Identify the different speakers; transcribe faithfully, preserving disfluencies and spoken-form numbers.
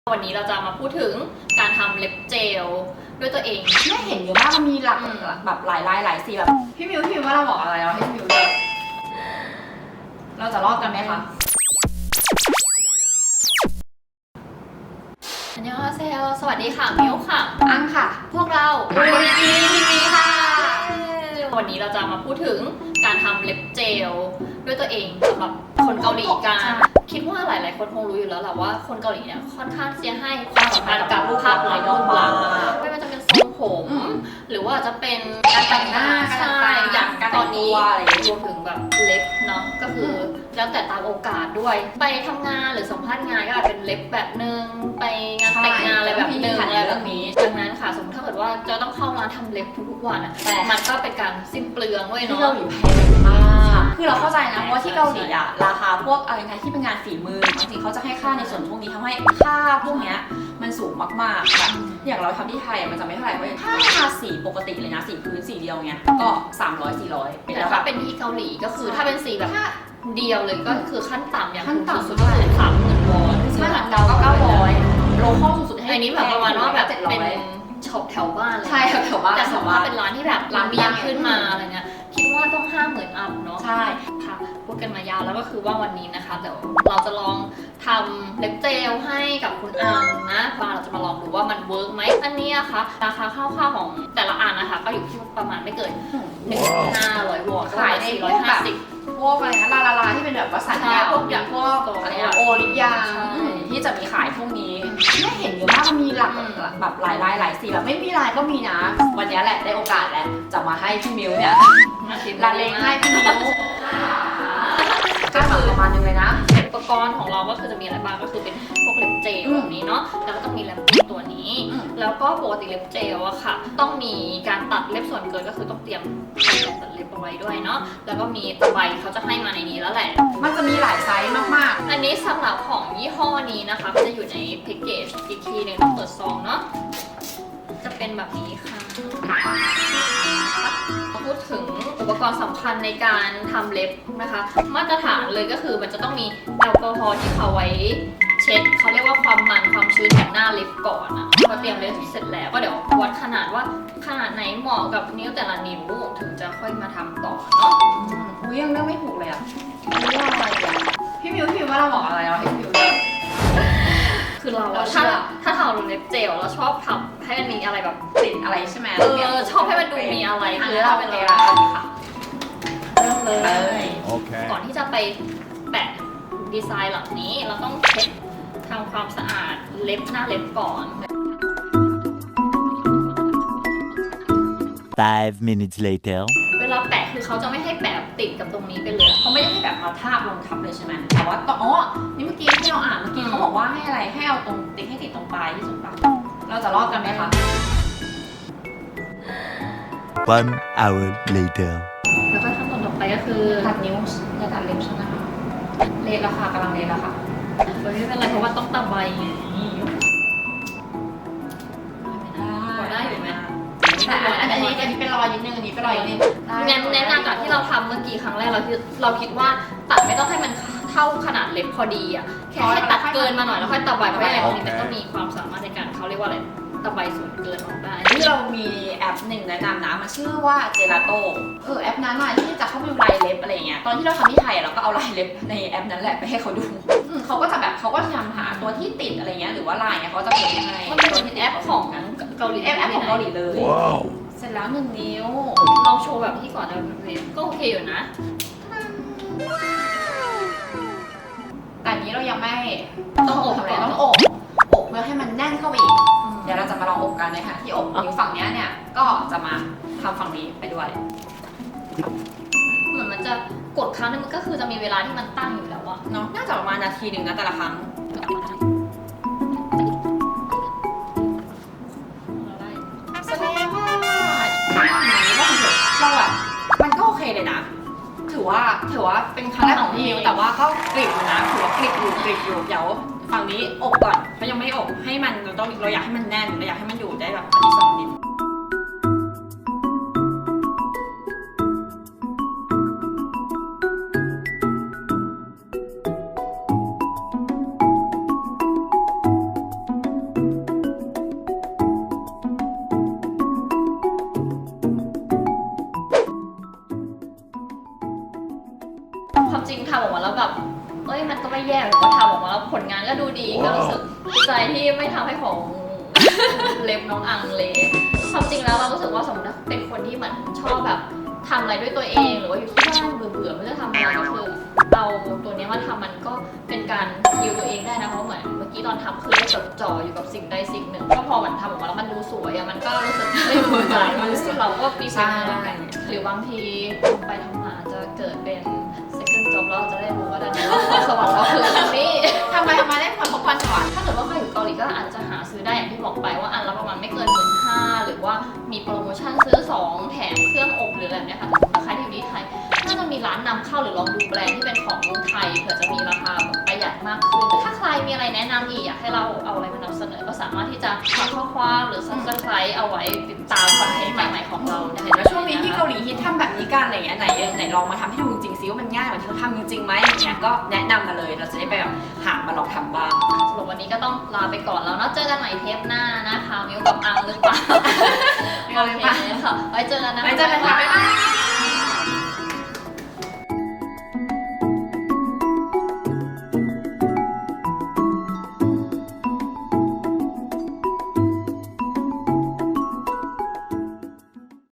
Speaker 1: วันนี้เราจะมาพูดถึงการทำเล็บเจลด้วยตัวเอง
Speaker 2: ไม่เห็นเยอะมากมันมีหลักแบบหลายลายหลายสีแบบพี่มิวพี่มิวว่าเราบอกอะไรเราให้พี่มิวเลือกเราจะรอดกันไหมคะ
Speaker 1: อันยองเซลสวัสดีค่ะมิวค่ะ
Speaker 2: อังค่ะ
Speaker 1: พวกเราดูดีทีวีค่ะวันนี้เราจะมาพูดถึงการทำเล็บเจลด้วยตัวเองสำหรับคนเกาหลีกันคิดว่าหลายๆคนคงรู้อยู่แล้วแหละว่าคนเกาหลีเนี่ยค่อนข้างจะให้ความสำคัญกับรูปภาพลักษณ์รูปลักษณ์ไม่ว่าจะเป็นทรงผมหรือว่าจะเป็น
Speaker 2: การแต่งหน้า
Speaker 1: ใช่อย่างตอนนี้รวมถึงแบบเล็บเนาะก็คือแล้วแต่ตามโอกาสด้วยไปทำงานหรือสัมภาษณ์งานก็อาจเป็นเล็บแบบนึงไปงานแต่งงานอะไรแบบนึงอะไรแบบนี้ดังนั้นค่ะสมมติถ้าเกิดว่าจะต้องเข้าร้านทำเล็บทุกๆวันอ่ะแต่มันก็เป็นการสิ้นเปลืองด้วยเนาะ
Speaker 2: ที่เกาหลีแพงมากคือเราเข้าใจนะเพราะว่าที่เกาหลีอ่ะราคาพวกอะไรนะที่เป็นงานฝีมือบางทีเขาจะให้ค่าในส่วนพวกนี้ทำให้ค่าพวกเนี้ยมันสูงมากๆแบบอย่างเราทำที่ไทยมันจะไม่เท่าไหร่เพราะถ้าทาสีปกติเลยนะสีพื้นสีเดียวเนี้ยก็สามร้อยสี่ร้อย
Speaker 1: แต่ถ้าเป็นที่เกาหลีก็คือถ้าเป็นสีแบบเดียวเลยก็คือขั้นต่ำอย่าง
Speaker 2: ขั้นต่ำ
Speaker 1: สุดๆสามหมื่นวอน
Speaker 2: ขั้นต่ำก็เก้าร้อยโลคอลสุดๆให้
Speaker 1: อันนี้แบบประมาณว่าแบบเป็นช็อปแถวบ้านเลย
Speaker 2: ใช่แถวบ้าน
Speaker 1: แต่สมมติว่าเป็นร้านที่แบบร้านเบียร์ขึ้นมาอะไรเงี้ยคิดว่าต้องห้าหมื่นอัพเนาะ
Speaker 2: ใช่
Speaker 1: ค่ะพูดกันมายาวแล้วก็คือว่าวันนี้นะคะเดี๋ยวเราจะลองทำเล็บเจลให้กับคุณอังนะพาเราจะมาลองดูว่ามันเวิร์กไหมอันนี้นะคะราคาคร่าวๆของแต่ละอันนะคะก็อยู่ที่ประมาณไม่เกินหนึ่งพันห้าร้อยวอน
Speaker 2: ขายในพวกแบบพวกอะไรนะลาลาลาที่เป็นแบบวัสดุพวกอย่างพวกอะไรนะโอริยาที่จะมีขายพวกนี้ไม่เห็นเยอะมากมันมีหลักแบบหลายลายหลายสีแบบไม่มีลายก็มีนะวันนี้แหละได้โอกาสแล้วจะมาให้พี่มิวเนี่ยลาเลงให้พี่มิวก็คือประมาณนึงเลยนะ
Speaker 1: อุปกรณ์ของเราก็คือจะมีอะไรบ้างก็คือเป็นพวกเล็บเจลแบบนี้เนาะแล้วก็ต้องมีเล็บปิ้นตัวนี้แล้วก็ปกติเล็บเจลอะค่ะต้องมีการตัดเล็บส่วนเกินก็คือต้องเตรียมตัดเล็บเอาไว้ด้วยเนาะแล้วก็มีตะไบเขาจะให้มาในนี้แล้วแหละ
Speaker 2: มันจะมีหลายไซส์มาก
Speaker 1: ๆอันนี้สำหรับของยี่ห้อนี้นะคะก็จะอยู่ในแพ็กเกจอีกทีหนึ่งต้องเปิดซองเนาะจะเป็นแบบนี้ค่ะพูดถึงอุปกรณ์สำคัญในการทำเล็บนะคะมาตรฐานเลยก็คือมันจะต้องมีแอลกอฮอล์ที่เขาไว้เช็ดเขาเรียกว่าความมันความชื้นจากหน้าเล็บก่อนนะพอเตรียมเล็บเสร็จแล้วก็เดี๋ยววัดขนาดว่าขนาดไหนเหมาะกับนิ้วแต่ละนิ้วถึงจะค่อยมาทำต่อเนาะ
Speaker 2: อุ้ยยังเลือกไม่ถูกเลยอ่ะเลือกอะไรอ่ะพี่มิวพี่มิวว่าเราบอกอะไรเราให้พี่มิวเลือก
Speaker 1: คือเราถ้าถ้าทำเล็บเจลเราชอบทำให้มันมีอะไรแบบ
Speaker 2: ติดอะไรใช่ไหม
Speaker 1: เออชอบให้มันดูมีอะไรคือเราเป็นเราค่ะเริ่มเลยก่อนที่จะไปแปะดีไซน์เหล่านี้เราต้องเช็ดทำความสะอาดเล็บหน้าเล็บก่อน
Speaker 3: five minutes later
Speaker 1: เวลาแปะคือเขาจะไม่ให้แปะติดกับตรงนี้ไปเลย
Speaker 2: เขาไม่ได้ให้แบบมาทาบลงทับเลยใช่ไหมแต่ว่าอ๋อนี่เมื่อกี้ที่เราอ่านเมื่อกี้เขาบอกว่าให้อะไรให้เอาตรงติดให้ติดตรงปลายที่สุดปะเราจะรอดกันไหมคะ
Speaker 3: one hour later
Speaker 1: แล้วก็ขั้นตอนต่อไปก็คือ
Speaker 2: ตัดนิ้วจะตัดเล็บใช่ไหมคะเลทแล้วค่ะกำลังเลทแล้วค่ะ
Speaker 1: ไม่เป็นไรเพราะว่าต้องตะไบพอได้อยู่ไหม
Speaker 2: แต่อันนี้อันนี้เป็นรอยนิดนึงอันนี้เป็นรอยนิดนึง
Speaker 1: งั้นแนะนำจากที่เราทำเมื่อกี้ครั้งแรกเราคิดเราคิดว่าตัดไม่ต้องให้มันเท่าขนาดเล็บพอดีอ่ะแค่ให้ตัดเกินมาหน่อยแล้วค่อยตะไบเพราะอะไรพวกนี้มันก็มีความสามารถในการเขาเรียกว่าอะไรตะไบส่วนเกินออกได้
Speaker 2: ที่เรามีแอปหนึ่งแนะนำนะมันชื่อว่าเจลาโต้เออแอปนั้นอะที่จะเข้าไปดูลายเล็บอะไรเงี้ยตอนที่เราทำที่ไทยเราก็เอาลายเล็บในแอปนั้นแหละไปให้เขาดูเขาก็จะแบบเขาก็พยายามหาตัวที่ติดอะไรเงี้ยหรือว่าลายเนี่ยเขาจะเปิดให้
Speaker 1: มันเป็นแอปของเกาหลี
Speaker 2: แอปของเกาหลีเลยเสร็จแล้วหนึ่งนิ้ว
Speaker 1: ลองโชว์แบบที่ก่อนนะก็โอเคอยู่นะ
Speaker 2: แต่อันนี้เรายังไม่
Speaker 1: ต้องอบ
Speaker 2: เลยต้องอบอบเพื่อให้มันแน่นเข้าไปอีกเดี๋ยวเราจะมาลองอบกันเลยค่ะที่อบนิ้วฝั่งนี้เนี่ยก็จะมาทำฝั่งนี้ไปด้วย
Speaker 1: เหมือนมันจะกดครั้งนึงมันก็คือจะมีเวลาที่มันตั้งอยู่แล้วอะ
Speaker 2: เนาะน่าจะประมาณนาทีหนึ่งนะแต่ละครั้งแสดงว่าเราแบบมันก็โอเคเลยนะถือว่าถือว่าเป็นครั้งแรกของพี่มิวแต่ว่าก็กริบอยู่นะถือว่ากริบอยู่กริบอยู่เดี๋ยวฝั่งนี้อบก่อนเพราะยังไม่อบให้มันเราต้องเราอยากให้มันแน่นเราอยากให้มันอยู่ได้แบบอาทิตย์สองอาทิตย์
Speaker 1: แย่แบบว่าทำออกมาแล้วผลงานก็ดูดีก็รู้สึกดีใจที่ไม่ทำให้ของ เล็บน้องอังเละความจริงแล้วเรารู้สึกว่าสมมติว่าเป็นคนที่เหมือนชอบแบบทำอะไรด้วยตัวเองหรือว่าอยู่ที่บ้านเบื่อๆไม่รู้จะทำอะไรก็คือเอาตัวนี้มาทำมันก็เป็นการฮิวตัวเองได้นะเพราะเหมือนเมื่อกี้ตอนทำคือได้จดจ่ออยู่กับสิ่งใดสิ่งหนึ่งก็พอมันทำออกมาแล้วมันดูสวยอะมันก็รู้สึกไม่เบื่อมันรู้สึกเราก็มีสิ่งเหมือนกันหรือบางทีทำไปทำมาจะเกิดเป็น second job แล้วเราจะได้รู้ว่าดันสวรรค์เราคืออันนี้
Speaker 2: ทำไมทำไมได้ความพบความสวรรค์
Speaker 1: ถ้าเกิดว่าใครอยู่เกาหลีก็อาจจะหาซื้อได้อย่างที่บอกไปว่าอันละประมาณไม่เกินหมื่นห้าหรือว่ามีโปรโมชั่นซื้อสองแถมเครื่องอบหรืออะไรแบบเนี้ยค่ะแต่ใครที่อยู่ที่ไทยน่าจะมีร้านนำเข้าหรือลองดูแบรนด์ที่เป็นของเมืองไทยเผื่อจะมีราคาประหยัดมากขึ้นถ้าใครมีอะไรแนะนำอีกอยากให้เราเอาอะไรมานำเสนอก็สามารถที่จะฝากข้อความหรือ subscribe เอาไว้ติดตามคอนเทนต์ใหม่ๆของเราได้
Speaker 2: เห็นว่าช่วงนี้ที่เกาหลีฮิตทำแบบนี้กันอะไรอย่างเงี้ยไหนไหนลองมาทำให้ดูจริงๆซิว่ามันง่ายเหมือนที่เราทำจริงๆไหมอย่างเงี้ยก็แนะนำมาเลยเราจะได้ไปแบบหามาลองทำบ้าง
Speaker 1: สรุปวันนี้ก็ต้องลาไปก่อนแล้วเนาะเจอกันใหม่เทปหน้านะคะมิวกับอังหรือเปล่า
Speaker 2: มิวหรือเปล่า
Speaker 1: โอเคค่ะไว้เจอกันนะคะ
Speaker 2: ไว้เจอกันค่ะบ๊ายบาย